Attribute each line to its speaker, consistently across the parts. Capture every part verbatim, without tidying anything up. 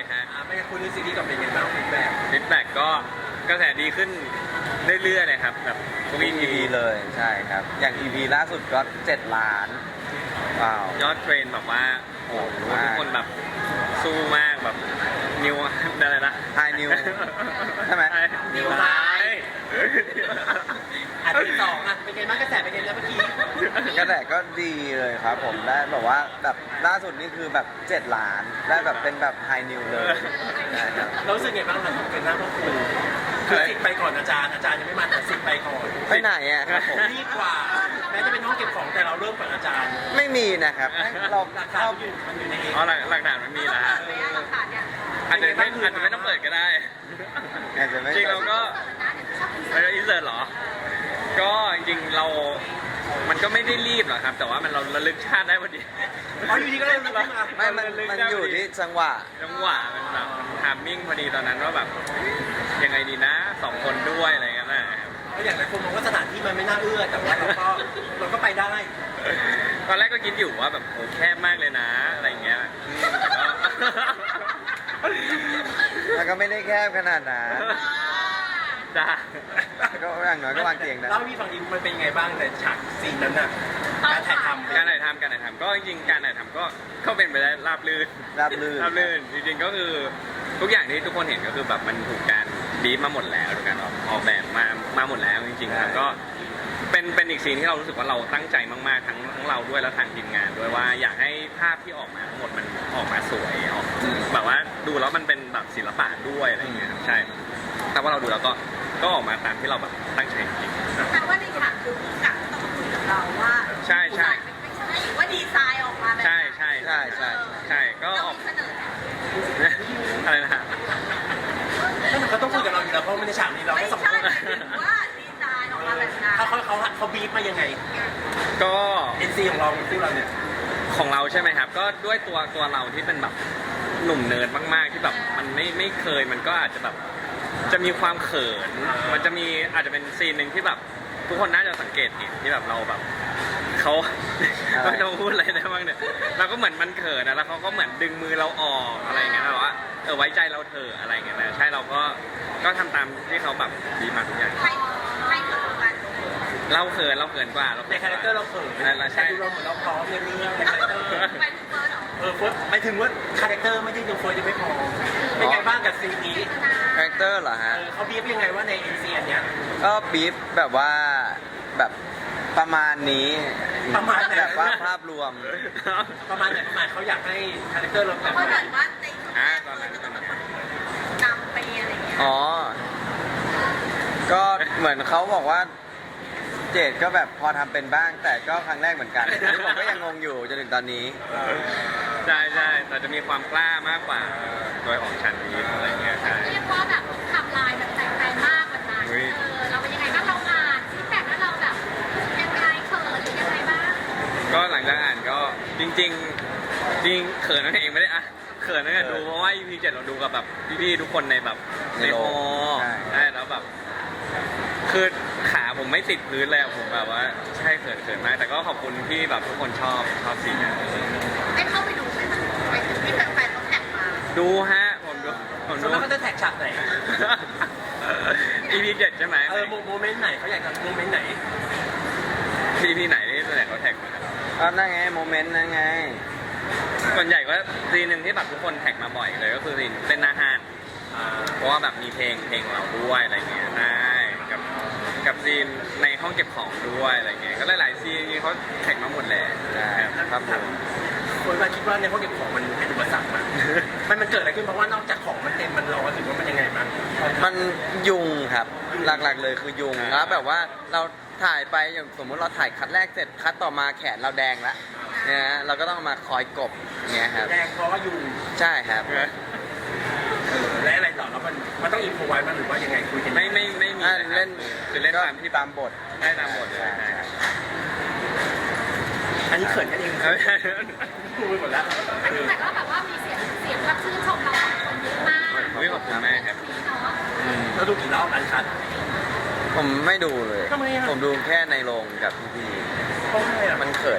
Speaker 1: ฮะ
Speaker 2: ไม่งั้นคุณดูซีรีส์กับเป็นยังไงบ้างฟีดแบ็ก
Speaker 1: ฟีดแบ็กก็กระแสดีขึ้นเรื่อยๆเลยครับแบบทุก
Speaker 3: อี
Speaker 1: อี
Speaker 3: พี
Speaker 1: พี
Speaker 3: เลยใช่ครับ อย่าง อี พี ล่าสุดก็เจ็ดล้านว้าวย
Speaker 1: อดเทรนแบบว่า
Speaker 3: โอ้
Speaker 1: โอ้
Speaker 3: โห
Speaker 1: โหทุกคนแบบสู้มากแบบนิวอะไรนะ
Speaker 3: ไฮนิวใช่ไหม
Speaker 1: นิวไฮ
Speaker 2: อันที่สองอ่ะเป็นไงบ้างกระแสเป็นไงแล้วเมื่อกี้
Speaker 3: กระแสก็ดีเลยครับผมได้แบบว่าแบบล่าสุดนี่คือแบบเจ็ดล้าน ได้แบบเป็นแบบไฮนิวเลยนะครับ
Speaker 2: เรารู้สึกไงบ้างครับเป็นหน้าพ่อครูคือสิทธิ์ไปก่อนอาจารย์อาจารย์ยังไม่มาแต่สิทธิ์ไปก่อน
Speaker 3: ไปไหนอ่ะครับผม
Speaker 2: รีบกว่าแม้จะเป็นห้องเก็บของแต่เราเริ่มก่อนอาจารย์
Speaker 3: ไม่มีนะครับเรา
Speaker 2: หลักฐาน
Speaker 3: เข้า
Speaker 2: มันอยู่มันอยู่ในเอง
Speaker 1: อ๋อหลักหลักฐานมันมีแล้วฮะอาจจะไม่อาจจะไม่ต้องเปิดก็ได้
Speaker 3: อาจจะไม่
Speaker 1: จริงเราก็เราอินเสิร์ตเหรอ ก็จริงๆเรา มันก็ไม่ได้รีบหรอกครับ แต่ว่ามันเราระลึกชาติได้พอดี
Speaker 2: อ๋ออยู่ดีก็เริ่มแล้วมา
Speaker 3: ไม่มันมันอยู่ที่จังหวะ
Speaker 1: จังหวะมันแบบทามมิ่งพอดีตอนนั้นว่าแบบยังไงดีนะสองคนด้วยอะไรเงี้ยนะครับ
Speaker 2: ก็อย่างหลายคนมองว่าสถานที่มันไม่น่าเอื้อแต่ว่าเราก็เราก็ไปได้
Speaker 1: ตอนแรกก็คิดอยู่ว่าแบบโหแคบมากเลยนะอะไรเงี้ยอืมแต่ก็
Speaker 3: มันก็ไม่ได้แคบขนาดนั้น
Speaker 1: จ้า
Speaker 3: ก็อย่างน้อยก็วางเตียงได้
Speaker 2: เล่าให้พี่ฟังดิมันเป็นยังไงบ้างในฉากซีนนั้นน่ะการถ่ายทำ
Speaker 1: การถ่ายทำการถ่ายทำก็จริงๆการถ่ายทำก็ก็เป็นไปได้ราบรื่น
Speaker 3: ราบรื่น
Speaker 1: ราบรื่นจริงๆก็คือทุกอย่างที่ทุกคนเห็นก็คือแบบมันถูกการบีบมาหมดแล้วถูกการออกออกแบบมามาหมดแล้วจริงๆครับก็เป็นเป็นอีกซีนที่เรารู้สึกว่าเราตั้งใจมากๆทั้งทั้งเราด้วยแล้วทางทีมงานด้วยว่าอยากให้ภาพที่ออกมาทั้งหมดมันออกมาสวยออกแบบว่าดูแล้วมันเป็นแบบศิลปะด้วยอะไรอย่างเงี้ยครับใช่แต่ว่าเราดูแล้วก็ก็ออกมาตามที่เราแบบตั้งใจจริง
Speaker 4: แปลว่าในฉากคือผู้กำกับต้องคุยกับเราว่า
Speaker 1: ใช่ใช่
Speaker 4: ไม่ใช่ว่าดีไซน์ออกมาแบบ
Speaker 1: ใช่ใช่
Speaker 3: ใช่ใช่
Speaker 1: ใช่ก็
Speaker 4: เรา
Speaker 1: ออก
Speaker 4: มีเสนอไหม
Speaker 1: อะไรนะฮะ
Speaker 2: นั่นมันก็ต้องคุยกับเราอยู่แล้วเพราะไม่ในฉากนี้เรา
Speaker 4: ไม่
Speaker 2: แค่สอง
Speaker 4: ใช่
Speaker 2: คน
Speaker 4: หมายถึงว่าดีไซน์ออกมาแบบนั้น
Speaker 2: เขาเขาเขาเขาบีบมายังไง
Speaker 1: ก็
Speaker 2: เอ็นซีของเราคู่เราเนี่ย
Speaker 1: ของเราใช่ไหมครับ ก็ด้วยตัวตัวเราที่เป็นแบบหนุ่มเนิร์ดมากๆที่แบบมันไม่ไม่เคยมันก็อาจจะแบบจะมีความเขิน มันจะมีอาจจะเป็นซีนหนึ่งที่แบบทุกคนน่าจะสังเกตเห็นที่แบบเราแบบเขา
Speaker 3: อะไร
Speaker 1: ไม่ต้องพูดอะไรได้บ้างเนี่ยเราก็เหมือนมันเขินนะแล้วเขาก็เหมือนดึงมือเราออกอะไรอย่างเงี้ยแบบว่าเออไว้ใจเราเถอะอะไรอย่างเงี้ยนะใช่เราก็ก็ทำตามที่เขาแบบดีมาทุกอย่าง
Speaker 4: ใครใครคือกัน
Speaker 1: เราเขินเราเขินกว่าเรา
Speaker 2: ในคาแรคเตอร์เราเขิน
Speaker 1: ใช่ใช่
Speaker 2: แต่ดูเราเหมือนเราพร้อมในเรื่องในคาแรคเตอร์
Speaker 4: ไปถึงเฟิร์สเหรอ
Speaker 2: เออเฟิร์สหมายถึงว่าคาแรคเตอร์ไม่ได้ดูเฟิร์สยังไม่พอเป็นไงบ้างกับซีนนี้
Speaker 3: คาแรคเตอร์เหรอ
Speaker 2: เอ
Speaker 3: ฮะ
Speaker 2: อเขาบีบยังไงว่าในเอ็นซีอันเนี้ย
Speaker 3: ก็บีฟแบบว่าแบบประมาณนี้
Speaker 2: ประมาณไหน
Speaker 3: แบบว่าภาพรวม
Speaker 2: ประมาณไหนประมาณเขาอยากให้คาแรคเตอร์เราแบบ
Speaker 4: เพราะ
Speaker 2: ไหน
Speaker 4: เหมือนว่าในช่วงแร
Speaker 1: อ่าก ตอน
Speaker 4: เฟิ
Speaker 1: นั้
Speaker 4: ร์
Speaker 1: น
Speaker 4: ส
Speaker 1: ต
Speaker 4: จะ
Speaker 1: อน
Speaker 4: ต้
Speaker 1: นั้
Speaker 4: อง
Speaker 1: น
Speaker 4: นำไปอะไรอย่างเงี้ย
Speaker 3: อ๋อ ก็เหมือนเขาบอกว่า เจดก็แบบพอทำเป็นบ้าง แต่ก็ครั้งแรกเหมือนกันอันนี้ผมก็ยังงงอยู่จนถึงตอนนี้
Speaker 1: ใช่ใช่แต่จะมีความกล้ามากกว่าโดยของฉันนี้อะไรเงี้ยใช่
Speaker 4: เรียกว่าแบบทำลายแบบแตกต่างมากวันนั้น
Speaker 1: อุ๊
Speaker 4: เอย อเราเป็นยังไงบ้างเราอ่านฟีดแบ็กแล้วเราแบบยังไงเขินหรือยังไงบ้าง
Speaker 1: ก็หลังจากอ่านก็จริง ๆ จริงเขินนั่นเองไม่ได้อ่ะเขินนั่นแหละดูเพราะว่า อี พี เจ็ดเราดูกับแบบพี่ๆทุกคนในแบบ
Speaker 3: ใน
Speaker 1: ใน
Speaker 3: โร
Speaker 1: ฮ
Speaker 3: ง
Speaker 1: อ
Speaker 3: ใช่
Speaker 1: ใช่แล้วแบบคือขาผมไม่ติดพื้นเลยอะผมแบบว่าใช่เขินเขินมากแต่ก็ขอบคุณที่แบบทุกคนชอบชอบสีนี้
Speaker 4: ได้เข้าไปดูไหมคะไปถึงที่แฟนๆเขาแท็กมา
Speaker 1: ดูฮะผมดูผม
Speaker 2: ส่
Speaker 1: ดู
Speaker 2: วนมากเขาจะแท็กฉากไหน
Speaker 1: อี พี เจ็ดใช่ไหม
Speaker 2: เออโมเมนต์ไหนเขาอยากจะโมเมนต์ไหน
Speaker 1: อี พี ไหนที่ส่วนใหญ่เขาแท็กมา
Speaker 3: ก็นั่นไงโมเมนต์นั่นไง
Speaker 1: ส่วนใหญ่ก็ซีนหนึ่งที่แบบทุกคนแท็กมาบ่อยเลยก็คือซีนเต้นหน้าห้านเพราะว่าแบบมีเพลงเพลงเราด้วยอะไรเงี้ยใช่กับกับซีนในห้องเก็บของด้วยอะไรเงี้ยก็หลายๆซีนจริงๆเขาแท็กมาหมดแหละ
Speaker 3: ใช่ครับผม
Speaker 2: คนมาคิดว่าในห้องเก็บของมันเป็นอุปสรรคมั้ยมันมันเกิดอะไรขึ้นเพราะว่านอกจากของมันเต็มมันร้อนหรือว่ามันยังไงมั้ง
Speaker 3: มันยุงครับ หลักๆเลยคือยุงแล้วแบบว่าเราถ่ายไปอย่างสมมุติเราถ่ายคัดแรกเสร็จคัดต่อมาแขนเราแดงแล้วเนี่ยฮะเราก็ต้องมาคอยกบอย่างเงี้ยครับ
Speaker 2: แดงเพราะว่ายุง
Speaker 3: ใช่ครับ
Speaker 2: เออและอะไรต่อแล้วมันมันต้องอินโฟไว้มันหรือว่ายังไงคุยกัน
Speaker 1: ไม่ไม่ไม่มี
Speaker 3: อ่า
Speaker 1: นะครับ
Speaker 3: เล่น
Speaker 1: คือเล่นตามที่
Speaker 3: ตามบท
Speaker 1: ได้ตามบทเลย
Speaker 3: ใช่
Speaker 1: ใช่
Speaker 3: ใช่
Speaker 2: อันนี้เขินกันเองพูดไปหมดแล้ว
Speaker 4: อันนี้แต่ก็แบบว่ามีเสียงเสียงแบบชื่นชมเราสองคนเยอะมาก
Speaker 1: วิขอบคุณแม่ครับ
Speaker 4: ทีเนาะ
Speaker 3: อืม
Speaker 2: แล้วดูกี่รอบอันคัด
Speaker 3: ผมไม่ดูเลย
Speaker 2: ทำไมอะ
Speaker 3: ผมดูแค่ในโรงกับพี่
Speaker 2: เพราะอะไรอ่ะ
Speaker 3: ๆมันเขิน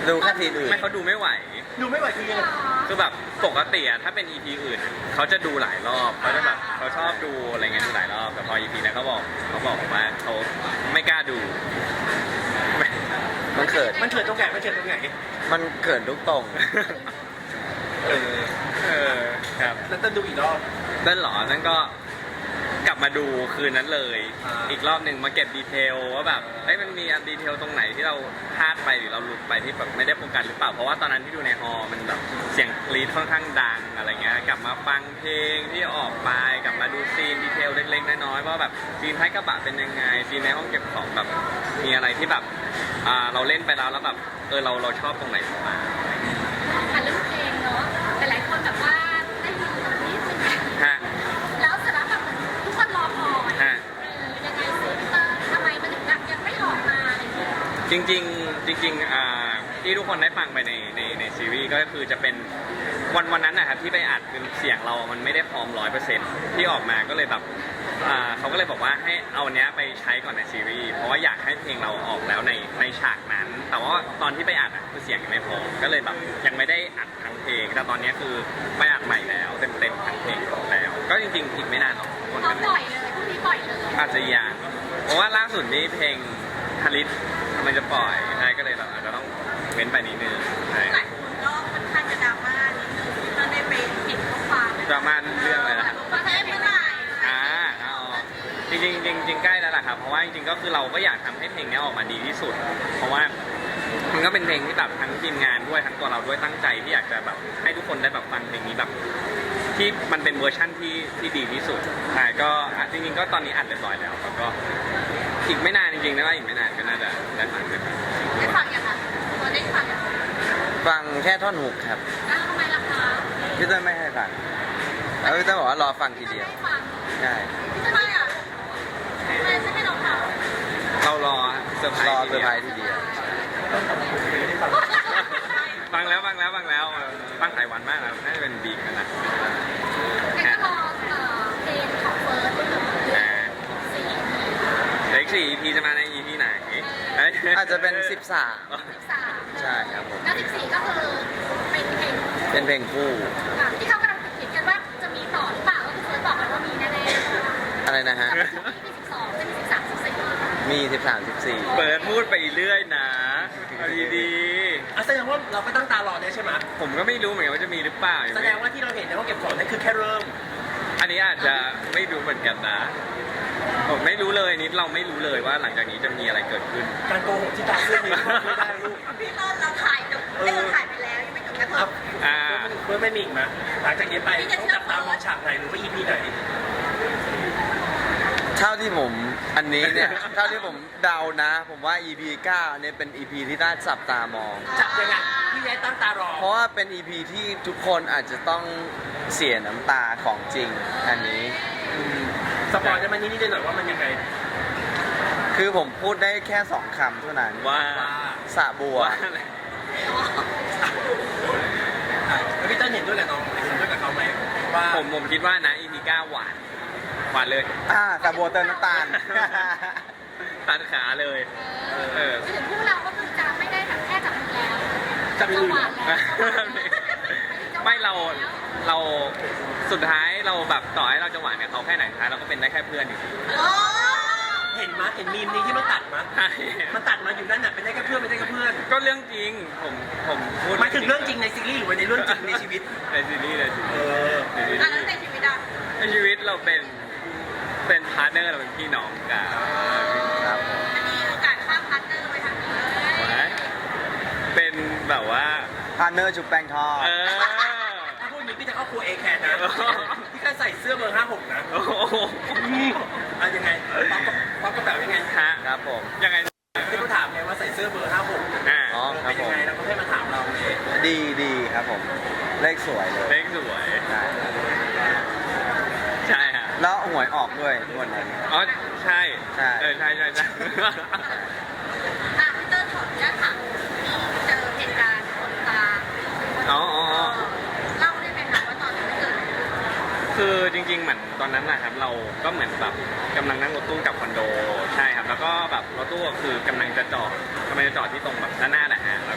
Speaker 3: ดูแค่ทีมอื่น
Speaker 1: ไม่เขาดูไม่ไหว
Speaker 2: ดูไม่ไหวคือยังไง
Speaker 1: คือแบบปกติอะถ้าเป็น อี พี อื่นอะเขาจะดูหลายรอบเขาจะแบบเขาชอบดูอะไรเงี้ยดูหลายรอบแต่พอ อี พี นั้นเขาบอกเขาบอกผมว่าเขาไม่กล้าดู ไม่
Speaker 3: มันเขิน
Speaker 2: มันเกิดตรงไหนมันเกิดตรงไหน
Speaker 3: มันเขินทุกตรง
Speaker 2: เออ
Speaker 1: เออครับ
Speaker 2: แล้วจะดูอีกรอบ
Speaker 1: นั่นเหรอนั่นก็กลับมาดูคืนนั้นเลย
Speaker 2: อ่า
Speaker 1: อีกรอบหนึ่งมาเก็บดีเทลว่าแบบเอ้ยมันมีอันดีเทลตรงไหนที่เราพลาดไปหรือเราหลุดไปที่แบบไม่ได้โฟกัสหรือเปล่าเพราะว่าตอนนั้นที่ดูในฮอลล์มันแบบเสียงกรีดค่อนข้างดังอะไรเงี้ยกลับมาฟังเพลงที่ออกไปกลับมาดูซีนดีเทลเล็กๆน้อยๆว่าแบบซีนท้ายกระบะเป็นยังไงซีนในห้องเก็บของแบบมีอะไรที่แบบอ่าเราเล่นไปแล้วแล้วแบบเออเราเราชอบตรงไหนบ้าง
Speaker 4: อ่ะเรื่องเพลงเนาะหลายๆคนแบบว่าได้ยินตรงนี้ใช่ไหม
Speaker 1: ฮะ
Speaker 4: แล้วเสร็จแล้วแบบเหมือนทุกคนรอคอย
Speaker 1: ฮะ
Speaker 4: เออยังไงซิเตอร์ทำไมมันถึงแบบยังไม่ออกมาอะไรอย่างเงี้ย
Speaker 1: จริงๆจริงๆอ่าที่ทุกคนได้ฟังไปในในในซีรีส์ก็คือจะเป็นวันวันนั้นนะครับที่ไปอัดคือเสียงเรามันไม่ได้พร้อมร้อยเปอร์เซ็นต์ที่ออกมาก็เลยแบบอ่าเขาก็เลยบอกว่าให้เอาอันเนี้ยไปใช้ก่อนในซีรีส์เพราะว่าอยากให้เพลงเราออกแล้วในในฉากนั้น แต่ว่าตอนที่ไปอัดอ่ะคือเสียงยังไม่พอก็เลยแบบยังไม่ได้อัดทั้งเพลงแต่ตอนเนี้ยคือไปอัดใหม่แล้วเต็มเต็มๆทั้งเพลงแล้ว ก็จริงๆอีกไม่นานหรอกคน
Speaker 4: เขา
Speaker 1: กัน
Speaker 4: ปล่อยเลยพรุ่งนี้ปล่อยเลย
Speaker 1: อาจจะยากเพราะว่าล่าสุดนี้เพลงฮาริสมันจะปล่อยใช่ก็เลยแบบอาจจะต้องเว้นไปนิดนึงใช่
Speaker 4: หลายคนก็ค่อนข้างจะดราม่านิดนึงเราได้ไปเห็นข้อความ
Speaker 1: ดราม่าเรื่องอะไรนะ
Speaker 4: ว่าจะได้เมื่อไหร่
Speaker 1: อ่าเอาจริงๆจริงๆจริงๆใกล้แล้วล่ะครับ เพราะว่าจริงๆก็คือเราก็อยากทำให้เพลงนี้ออกมาดีที่สุด เพราะว่ามันก็เป็นเพลงที่แบบทั้งทีมงานด้วยทั้งตัวเราด้วยตั้งใจที่อยากจะแบบให้ทุกคนได้แบบฟังเพลงนี้แบบ ที่มันเป็นเวอร์ชั่นที่ที่ดีที่สุดใช่ก็อ่ะจริงๆก็ตอนนี้อัดเรียบร้อยแล้วแล้วก็อีกไม่นานจริงๆนะว่าอีกไม่นานก็น่าจะได้ฟังกัน
Speaker 4: ได้ฟังยังคะตัวได้ฟังยัง
Speaker 3: ฟังแค่ท่อนฮุกครับ
Speaker 4: อ้าวทำไมล่ะคะ
Speaker 3: พี่เต้ยไม่ให้ฟังแล้วพี่เต้ยบอกว่ารอฟังทีเดียว
Speaker 4: ไม่ฟัง
Speaker 3: ใช่
Speaker 4: ทำไมอ่ะทำไมฉันไม่ลองทำ
Speaker 1: เรารอเซอร์ไพร
Speaker 3: รอ
Speaker 1: ส์
Speaker 3: เซอร์ไพรส์ทีเดียว
Speaker 1: ฟังแล้วฟังแล้วฟังแล้วเออฟังหลายวันมากแล้วน่าจะเป็นบีกันนะ
Speaker 4: งั้นก็รอเอ่อเพลงของเฟิร์สด้วย
Speaker 1: อ่า
Speaker 4: สี่
Speaker 1: เด็กสี่ อี พี จะมาใน อี พี ไหนเอ้ย
Speaker 3: อาจจะเป็นสิบสาม
Speaker 4: สิบสาม
Speaker 3: ใช่ครับผม
Speaker 4: แล้วสิบสี่ก็คือเป็นเพลง
Speaker 3: เป็นเพลงคู่
Speaker 4: อ่ะที่เขากำลังคิดกันว่าจะมีต่อหรือเปล่าก็คือเฟิร์สบอกเลยว่ามีแน่ๆ
Speaker 3: อะไรนะฮะ
Speaker 4: มีสิบสองเป็นสิบสามสิบสี่
Speaker 3: มีสิบสาม สิบสี่
Speaker 1: เปิดพูดไปเรื่อยนะเอาดี
Speaker 2: อ่ะแสดงว่าเราก็ตั้งตารอได้ใช่ไหม
Speaker 1: ๆผมก็ไม่รู้เหมือนกันว่าจะมีหรือเปล่ายัง
Speaker 2: แส
Speaker 1: ไม่
Speaker 2: ดงว่าที่เราเห็นในห้องเก็บของนั่นคือแค่เริ่ม
Speaker 1: อันนี้อาจจะไม่รู้เหมือนกันนะผมไม่รู้เลยนิดเราไม่รู้เลยว่าหลังจากนี้จะมีอะไรเกิดขึ้น
Speaker 2: การโกหกที่ตามเรื่องนี้ไม่ได้ลูก
Speaker 4: พี่ต้นเราถ่ายจบได้เราถ่ายไปแล้วยังไม่จบกระท
Speaker 2: ครับ
Speaker 4: บ
Speaker 1: อ่า
Speaker 2: เพื่อไม่มีอีกไหมหลังจากนี้ไปต้องจับตามองฉากไหนหรือว่า อี พี ไหน
Speaker 3: เท่าที่ผมอันนี้เนี่ย เท่าที่ผมเดานะ ผมว่า อี พี เก้าเนี่ยเป็น อี พี ที่น่าจับตามอง
Speaker 2: จับยังไงพี่แย้ตั้งตารอ
Speaker 3: เพราะว่าเป็น อี พี ที่ทุกคนอาจจะต้องเสียน้ำตาของจริง อันนี้
Speaker 2: สปอยล์ได้ไหมนิดๆหน่อยๆว่ามันยังไง
Speaker 3: คือผมพูดได้แค่สองคำเท่านั้น
Speaker 1: ว่า
Speaker 2: ว่า
Speaker 3: สระบัว
Speaker 1: ว่าอะไร
Speaker 2: อ่ะแล้วพี่เต้นเห็นด้วยกับน้องเห็นด้วยกับเขาไหมว่า
Speaker 1: ผมผมคิดว่านะ อี พี เก้าหวานหวานเลย
Speaker 3: อ่าสระบัวเติมน้ำตาล
Speaker 1: ตัดขาเลย เออ
Speaker 4: คือถึงพวกเราก็คือจะไม่ได้แบบแค่จับมือแล้ว
Speaker 2: จับมือ
Speaker 4: หวานแล้ว
Speaker 1: ไม่เราเราสุดท้ายเราแบบต่อให้เราจะหวานกับเขาแค่ไหนสุดท้ายเราก็เป็นได้แค่เพื่อนอยู่ดี
Speaker 4: โอ้
Speaker 2: เห็นมั้ยเห็นมีมนี้ที่มันตัดมั้ย
Speaker 1: ใช่
Speaker 2: มันตัดมาอยู่นั่นน่ะเป็นได้แค่เพื่อนไม่ได้แค่เพื่อน
Speaker 1: ก็เรื่องจริงผมผมพูด
Speaker 2: หมายถึงเรื่องจริงในซีรีส์หรือว่าในเรื่องจริงในชีวิต
Speaker 1: ในซีรีส์ในซีรี
Speaker 2: เอ
Speaker 1: ส์
Speaker 2: อ
Speaker 1: ในซีรี
Speaker 4: อ่ะแล้ว
Speaker 1: ส์
Speaker 4: ในชีวิตอ่ะ
Speaker 1: ในชีวิตเราเป็นเป็นพาร์ทเนอร์เราเป็นพี่น้องกัน
Speaker 3: ครับผม
Speaker 4: อันนี้โอกาสข้ามพาร์ทเนอร์ไปทางนี้
Speaker 1: เป็นแบบว่า
Speaker 3: พาร์เนอร์จุบแป้งทอด
Speaker 1: เออ
Speaker 2: ถ้าพูดอย่างนี้พี่จะเข้าครัวเอแคร์นะพี่แค่ใส่เสื้อเบอร์ห้าหกนะ
Speaker 1: โอ้โห
Speaker 2: อ่ะยังไงป๊อปกับป๊อปกระเป๋ายังไง
Speaker 1: ฮะ
Speaker 3: ครับผม
Speaker 1: ยังไง
Speaker 2: ที่เขาถามไงว่าใส่เสื้อเบอร์ห้าหก
Speaker 1: อ่า
Speaker 3: อ๋อครั
Speaker 2: เป็
Speaker 3: บ
Speaker 2: น
Speaker 3: ผ
Speaker 2: ยัง
Speaker 3: ม
Speaker 2: ไงแล้วก็ให้มาถามเราเลย
Speaker 3: ดีดีครับผม เลขสวยเลย
Speaker 1: เล็กสวย
Speaker 3: ใช่ครับ
Speaker 1: ใช่ฮะ
Speaker 3: แล้วหวยออกด้วยงวดนั้น
Speaker 1: อ๋อใช่
Speaker 3: ใช่
Speaker 1: เออใช่ใช่ใช่
Speaker 4: อ่ะพี่เตอร์ขออนุญาตถามมีเจอเหตุการณ์คนตา
Speaker 1: อ๋ออ๋ออ๋อ
Speaker 4: เล่าได้ไหมคะว่าตอนนั้นมันเกิดอะไรขึ้น
Speaker 1: คือจริงๆเหมือนตอนนั้นนะครับเราก็เหมือนแบบกำลังนั่งรถตู้กลับคอนโดใช่ครับ แล้วก็แบบรถตู้ก็คือกำลังจะจอดกำลังจะจอดที่ตรงแบบด้านหน้าแหละฮะแล้ว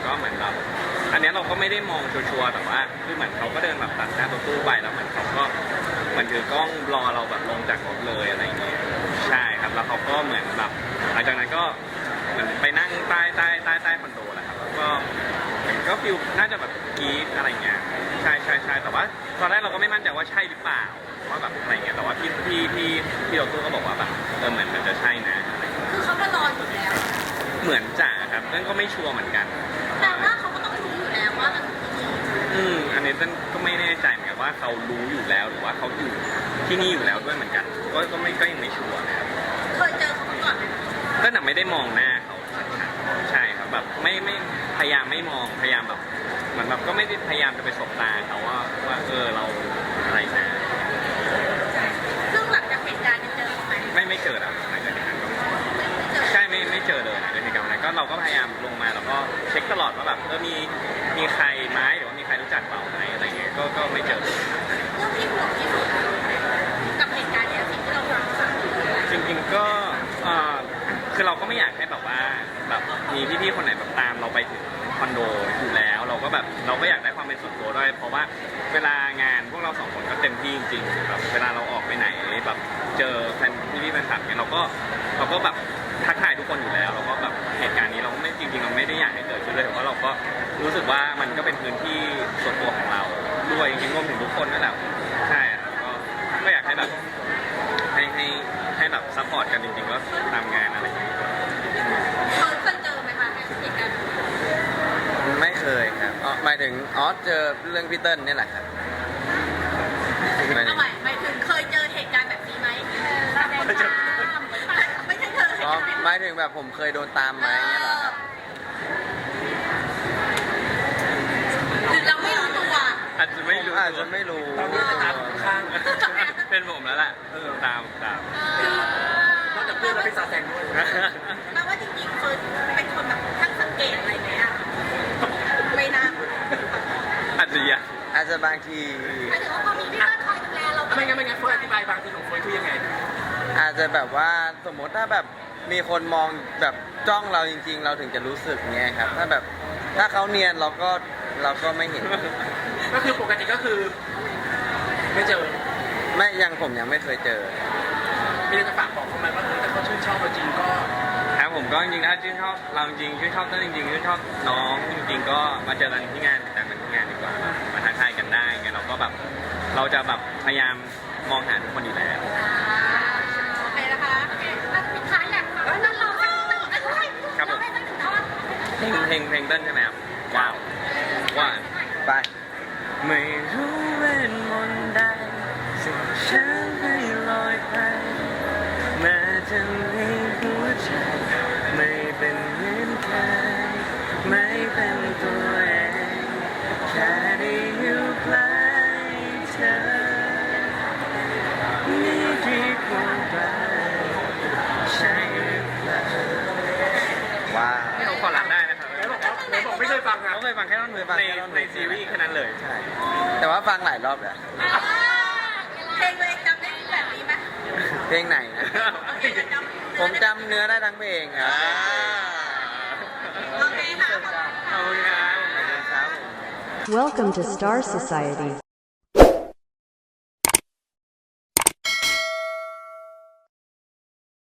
Speaker 1: ก็เหมือนแบบอันเนี้ยเราก็ไม่ได้มองชัวร์ๆแต่ว่าคือเหมือนเขาก็เดินแบบตัดหน้ารถตู้ไปแล้วเหมือนเขาก็เหมือนถือกล้องรอเราแบบลงจากรถเลยอะไรอย่างเงี้ยใช่ครับแล้วเขาก็เหมือนแบบหลังจากนั้นก็เหมือนไปนั่งใต้ใต้ใต้ใต้คอนโดแหละครับแล้วก็เหมือนก็ฟิลน่าจะแบบกรี๊ดอะไรเงี้ยใช่ใช่ใช่แต่ว่าตอนแรกเราก็ไม่มั่นใจว่าใช่หรือเปล่าว่าแบบอะไรเงี้ยแต่ว่าพี่พี่พี่พี่รถตู้ก็บอกว่าแบบเออเหมือนมันจะใช่นะอะไรเงี้ย
Speaker 4: คือเขามารออยู่แล้ว
Speaker 1: เหมือนจ่าครับนั่นก็ไม่ชัวร์เหมือนกัน
Speaker 4: แต่ว่าเขาก็ต้องรู้อยู่แล้วว่ามันคือที่นี่
Speaker 1: อืมอันนี้ต้นก็ไม่แน่ใจเหมือนกันว่าเขารู้อยู่แล้วหรือว่าเขาอยู่ที่นี่อยู่แล้วด้วยเหมือนกัน ก็ก็ไม่ก็ยังไม่ชัวร์นะครับ
Speaker 4: เคยเจอเขามาก่อนไหม
Speaker 1: ก็หนักไม่ได้มองหน้าเขาชัดๆใช่ครับแบบไม่ไม่พยายามไม่มองพยายามแบบเหมือนแบบก็ไม่ได้พยายามจะไปสบตาเขาว่าว่าเออเราอะไรนะ
Speaker 4: ซึ่งหลังจากเหตุการณ์นี้เจอเขาไหม
Speaker 1: ไม่ไม่เกิดอะหลังจากนั้นก็
Speaker 4: ไม่ไม่เจอ
Speaker 1: ใช่ไม่ไม่เจอเลยหลังจากเหตุการณ์นั้นก็เราก็พยายามลงมาแล้วก็เช็คตลอดว่าแบบเออมีมีใครไหมหรือว่ามีใครรู้จักเปล่าไหมอะไรเงี้ยก็ก็ไม่เจอเลย
Speaker 4: เรื่องที่ห่วงที่สุดกับเหตุการณ์เนี้ยสิ่งที่เราห่วงที่สุดคืออะไร
Speaker 1: จริงๆก็เอ่อคือเราก็ไม่อยากให้แบบว่าแบบมีพี่ๆคนไหนแบบตามเราไปถึงคอนโดอยู่แล้ว เราก็แบบเราก็อยากได้ความเป็นส่วนตัวด้วย เพราะว่าเวลางานพวกเราสองคนก็เต็มที่จริงๆแบบเวลาเราออกไปไหนแบบเจอแฟนพี่ๆแฟนคลับเนี่ยเราก็เราก็แบบทักทายทุกคนอยู่แล้วเราก็แบบเหตุการณ์นี้เราก็ไม่จริงๆเราไม่ได้อยากให้เกิดขึ้นเลยแต่ว่าเราก็รู้สึกว่ามันก็เป็นพื้นที่ส่วนตัวของเราด้วยจริงๆรวมถึงทุกคนนั่นแหละใช่ครับก็ก็อยากให้แบบ ให้ให้ให้แบบซัพพอร์ตกันจริงๆก็ตามงานอะไรอย่างเงี้ย
Speaker 4: เคยเคยเจอไหมคะเหตุการณ์แบบนี้
Speaker 3: ไม่เคยครับอ๋อหมายถึงอ๋อเจอเรื่องพี่เติ้ลนี่แหละครับหมายถึ
Speaker 4: เอา
Speaker 3: ง
Speaker 4: ใหม่หมายถึงเคยเจอเหตุการณ์แบบนี้ไหมแสดงความไม่ใช่เธอเหตุ
Speaker 3: อ๋อ
Speaker 4: การณ์แบบ
Speaker 3: ห
Speaker 4: นี้
Speaker 3: มายถึงแบบผมเคยโดนตามไหมเนี่ยเหรอครับ
Speaker 4: หรือเราไม่รู้ตัว
Speaker 1: อาจจะไม่รู้
Speaker 3: อาจจะไม่รู้
Speaker 2: ตอนนี้จะตามข้าง
Speaker 1: เป็นผมแล้วแหละเออตามตาม
Speaker 2: นอกจากเพื่อนแล้วเป็นซาแซงด้วย
Speaker 4: แปลว่าจริงๆเฟิร์นเป็นคนแบบช่างสังเกตอะไรไหมอะไม่น่า
Speaker 1: อาจจะยัง
Speaker 3: อาจจะบางที
Speaker 4: หมายถึงว่าพอมีพี่เติ้ลคอยดูแลเรา
Speaker 2: ไม่งั้นไม่งั้นเฟิร์นอธิบายบางทีของเฟิร์นคือยังไง
Speaker 3: อาจจะแบบว่าสมมติถ้าแบบมีคนมองแบบจ้องเราจริง ๆ เราถึงจะรู้สึกเงี้ยครับ ถ้าแบบถ้าเขาเนียนเราก็เราก็ไม่เห็น
Speaker 2: ก็คือปกติก็คือ ไม่เจอ
Speaker 3: ไม่ยังผมยังไม่เคยเจอ
Speaker 2: มีอะไรจะฝากบอกเขาไหมว่าเออถ้าเขาชื่นชอบเราจริงก็
Speaker 1: ครับผมก็จริงๆถ้าชื่นชอบเราจริงๆชื่นชอบต้นจริงๆชื่นชอบน้องจริงๆก็มาเจอกันที่งานแต่งกันที่งานดีกว่าแบบมาทักทายกันได้ไงเราก็แบบเราจะแบบพยายามมองหาทุกคนอยู่แล้ว
Speaker 4: โอเคนะคะโอเคแล้วสุดท้ายอยากฟังนั่นเราสักหนึ่งอันด้วย
Speaker 1: ครับผม
Speaker 4: เราได้สักหนึ่งท่อน
Speaker 1: เพลงเพลงเพลงเต้นใช่ไหมครับว้าวว่า
Speaker 3: ไป
Speaker 1: ไม่รู้เวทมนต์ใดสิ่งฉันให้ลอยไปแม้จะมีหัวใจไม่เป็นเหมือนเคยไม่เป็นตัวเองแค่ได้อยู่ใกล้เธอมีที่ควรไปใช่หรือเปล่า
Speaker 3: ว้าว
Speaker 1: นี่เราขอรับได้นะครับ
Speaker 2: ไหนบอกว่าไหนบอกไม่เคยฟังอ่ะ
Speaker 1: เขาเคยฟังแค่ท่อนฮุกในในซีรีส์แค่นั้นเลย
Speaker 3: ใช่ แต่ว่าฟังหลายรอบแล้ว
Speaker 4: อ่าเพลงตัวเองจำได้แบบนี้ไหม
Speaker 3: เพลงไหนนะ
Speaker 4: โอเคจะจำ
Speaker 3: ผมจำเนื้อได้ทั้งเพลงครับ
Speaker 4: โอเคค่ะ
Speaker 1: ขอบคุณครับ
Speaker 3: ขอบคุณครับ
Speaker 5: Welcome to Star Society.